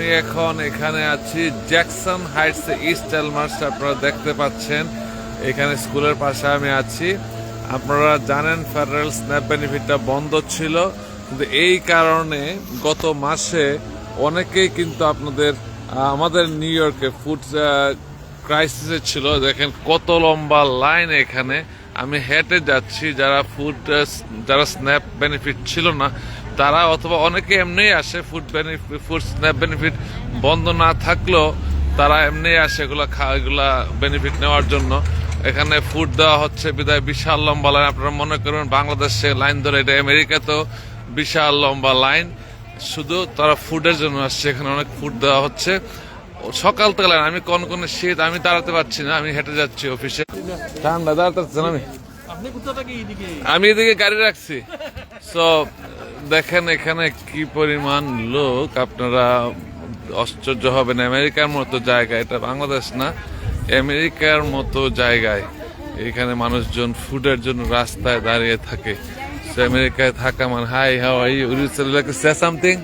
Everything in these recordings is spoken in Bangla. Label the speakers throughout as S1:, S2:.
S1: আমি এখন এখানে আছি জ্যাকসন হাইটস ইস্ট এলমার্স। আপনারা দেখতে পাচ্ছেন এখানে স্কুলের পাশে আমি আছি। আপনারা জানেন ফেডারেল স্ন্যাপ বেনিফিটটা বন্ধ ছিল, কিন্তু এই কারণে গত মাসে অনেকেই কিন্তু আমাদের নিউ ইয়র্কে ফুড ক্রাইসিসে ছিল। দেখেন কত লম্বা লাইন এখানে। আমি হেঁটে যাচ্ছি, যারা স্ন্যাপ বেনিফিট ছিল না তারা, অথবা অনেকে এমনিই আসে ফুড স্ন্যাপ বেনিফিট বন্ধ না থাকলেও তারা এমনিই আসে এগুলা বেনিফিট নেওয়ার জন্য। এখানে ফুড দেওয়া হচ্ছে বিদায় বিশাল লম্বা লাইন। আপনারা মনে করবেন বাংলাদেশে লাইন ধরে, এটা আমেরিকাতেও বিশাল লম্বা লাইন। শুধু তারা ফুডের জন্য আসছে, এখানে অনেক ফুড দেওয়া হচ্ছে। সকাল থেকে লাইন, আমি কোন শীত, আমি দাঁড়াতে পারছি না, আমি হেঁটে যাচ্ছি অফিসে। ঠান্ডা দাঁড়াতে পারছি না আমি এদিকে গাড়ি রাখছি। সো দেখেন এখানে কি পরিমাণ লোক, আপনারা আশ্চর্য হবেন। আমেরিকার মতো জায়গা, এটা বাংলাদেশ না, আমেরিকার মতো জায়গায় এখানে মানুষজন ফুডের জন্য রাস্তায় দাঁড়িয়ে থাকে। আমেরিকায় থাকা মানে hi, how are you? Would you like to say something?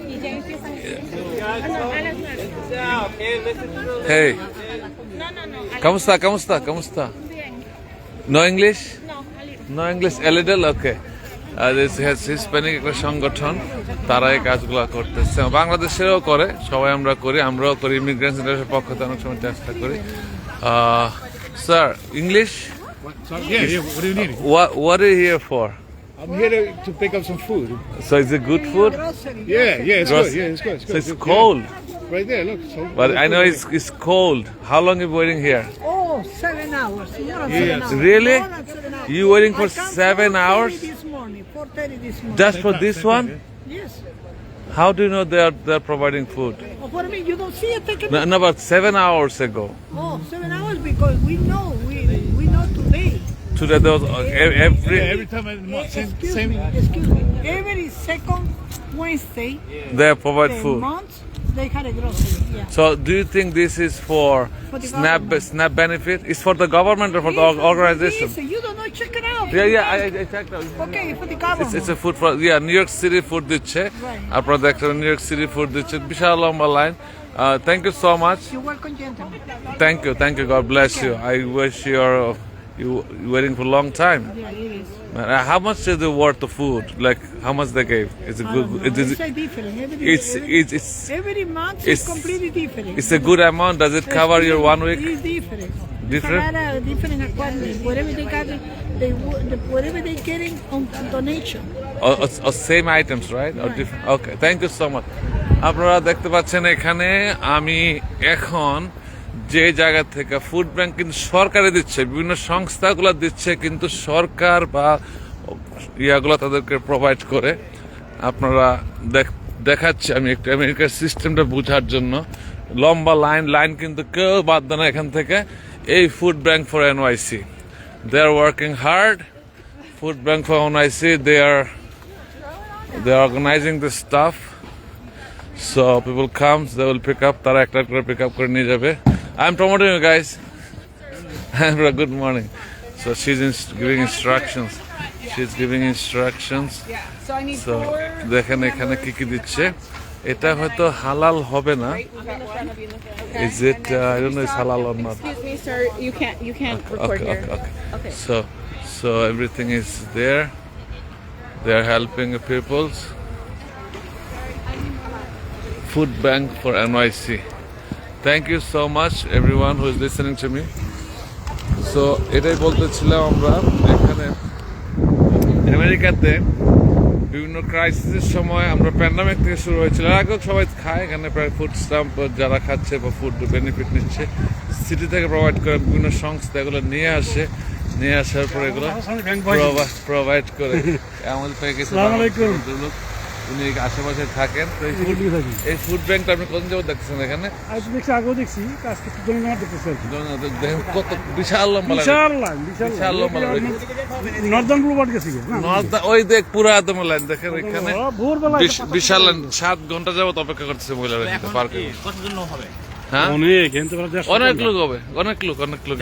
S1: Hey. ¿Cómo está? No English? No English, a little? Okay. This has Hispanic একটা সংগঠন, তারা এই কাজগুলো করতেছে। বাংলাদেশেরও করে, সবাই আমরাও করি। ইমিগ্রেন্ট সেন্টারের পক্ষ থেকে অনেক সময় চেষ্টা করি। Sir, English?
S2: Yeah. What do you need?
S1: What are you here for?
S2: I'm here to pick up some food.
S1: So is it good food?
S2: Yeah, it's good. Yeah, it's good.
S1: So it's cold.
S2: Yeah. Right there, look.
S1: But I know it's cold. How long are you waiting here?
S3: Oh, 7 hours. More than
S2: Yeah.
S3: 7 hours.
S1: Really?
S3: More than 7 hours.
S1: You waiting for
S3: I come
S1: 7
S3: from
S1: hours?
S3: 4:30 this morning. 4:30 this morning.
S1: Just for this one?
S3: Yes.
S1: How do you know they're providing food?
S3: Oh, what do you mean? You don't see it taking
S1: No, but 7 hours ago.
S3: Oh, 7 hours because we know today.
S1: Today there was
S2: Every time I
S3: Excuse
S2: same.
S3: me. Every second Wednesday,
S1: they provide
S3: the
S1: food.
S3: month they had a grocery. Yeah.
S1: So do you think this is for
S3: For the government.
S1: SNAP benefit? It's for the government or for the organization?
S3: Listen, you don't know. Check it out.
S1: Yeah, I checked out.
S3: Okay, for the government.
S1: It's a food for New York City food দিচ্ছে। আপনারা দেখছেন নিউ ইয়র্ক সিটি ফুড দিচ্ছে, বিশাল লম্বা লাইন। Thank you so much.
S3: You're welcome, gentlemen.
S1: Thank you. God bless you. I wish you waiting for a long time.
S3: Yeah, it is.
S1: How much is the worth of food? Like how much they gave? Is it good?
S3: It's different. Every month
S1: it's-
S3: is completely different.
S1: It's a good amount. Does it cover your 1 week?
S3: It's different.
S1: Different?
S3: It's a lot of different requirements. Whatever they got, whatever they getting on donation.
S1: Or same items, right? Or different? Okay. Thank you so much. আপনারা দেখতে পাচ্ছেন এখানে আমি এখন যে জায়গা থেকে ফুড ব্যাংক কিন্তু সরকারে দিচ্ছে, বিভিন্ন সংস্থাগুলো দিচ্ছে, কিন্তু সরকার বা ইয়াগুলো তাদেরকে প্রোভাইড করে। আপনারা দেখাচ্ছি আমি একটু আমেরিকার সিস্টেমটা বোঝার জন্য। লম্বা লাইন কিন্তু কেউ বাদ দেয় না এখান থেকে। এই food bank for NYC, they are working hard. Food bank for NYC, they are organizing the stuff. So people come, they will pick up, তারা একটা করে pick up করে নিয়ে যাবে। I'm promoting you guys. Good morning. So she's giving instructions. So দেখেন এখানে কি দিচ্ছে। এটা হয়তো হালাল হবে না। Is it? I don't know. It's halal or not.
S4: Excuse me, sir. You can't record here.
S1: Okay. So everything is there. They are helping the peoples. Food Bank for NYC. Thank you so much everyone who is listening to me. So এটাই বলতেছিলাম, আমরা এখানে আমেরিকাতে বিভিন্ন ক্রাইসিসের সময়, আমরা প্যান্ডামিক থেকে শুরু হয়েছিল, আগেও সবাই খায় এখানে, প্রায় ফুড স্ট্যাম্প যারা খাচ্ছে বা ফুড বেনিফিট নিচ্ছে সিটি থেকে প্রোভাইড করে, বিভিন্ন সংস্থা এগুলো নিয়ে আসার পর এগুলো প্রোভাইড করে। আমাদের পেয়ে গেছে লোক, উনি আশেপাশে থাকেন। তো এই ফুড ব্যাংকটা আপনি কোন জায়গায় দেখছেন? এখানে
S5: আগেও দেখছি,
S1: দেখেন কত বিশাল লম্বা
S5: নর্দার্ন ব্লুবার্ড গেছি।
S1: ওই দেখ পুরো একদম লাইন দেখেন এখানে, বিশাল লাইন। 7 ঘন্টা যাবত অপেক্ষা করতেছে মহিলারা পার্কে। হ্যাঁ, অনেক লোক হবে, অনেক লোক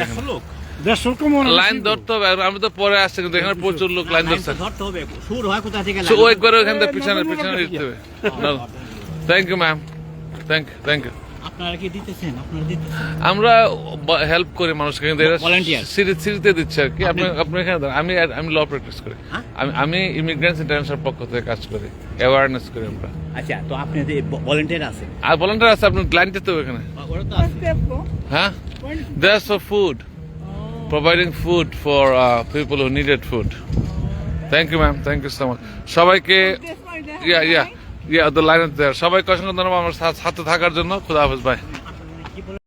S1: লাইন ধরতে হবে। আমি তো পরে আসছি, কিন্তু এখানে প্রচুর লোক লাইন ধরছে। ওই করে ওখান থেকে পিছনে দিতে হবে। Thank you ma'am. Thank you.
S6: আপনারা কি দিতেছেন? আপনারা দিতেছেন?
S1: আমরা হেল্প করি মানুষকে, কিন্তু এরা
S6: Volunteer?
S1: সিরিতে দিচ্ছে আর কি। আপনি এখানে দাঁড়ান। আমি ল প্র্যাকটিস করি।
S6: হ্যাঁ?
S1: আমি ইমিগ্রেন্টস ইন্টারন্যাশনাল পক্ষ থেকে কাজ করি, অ্যাওয়ারনেস করি আমরা।
S6: আচ্ছা, তো আপনাদের ভলেন্টিয়ার আছে?
S1: আর ভলান্টিয়ার আছে, আপনার ক্লায়েন্টে তো এখানে।
S6: ওরা তো
S3: What's
S6: আছে।
S3: that for?
S1: হ্যাঁ, there's for food, providing food for people who needed food. Thank you, ma'am. Thank you so much. সবাইকে
S3: This one, that
S1: yeah, the line is there. সবাইকে অসংখ্য ধন্যবাদ আমার সাথে থাকার জন্য। খুদা হাফেজ, বাই।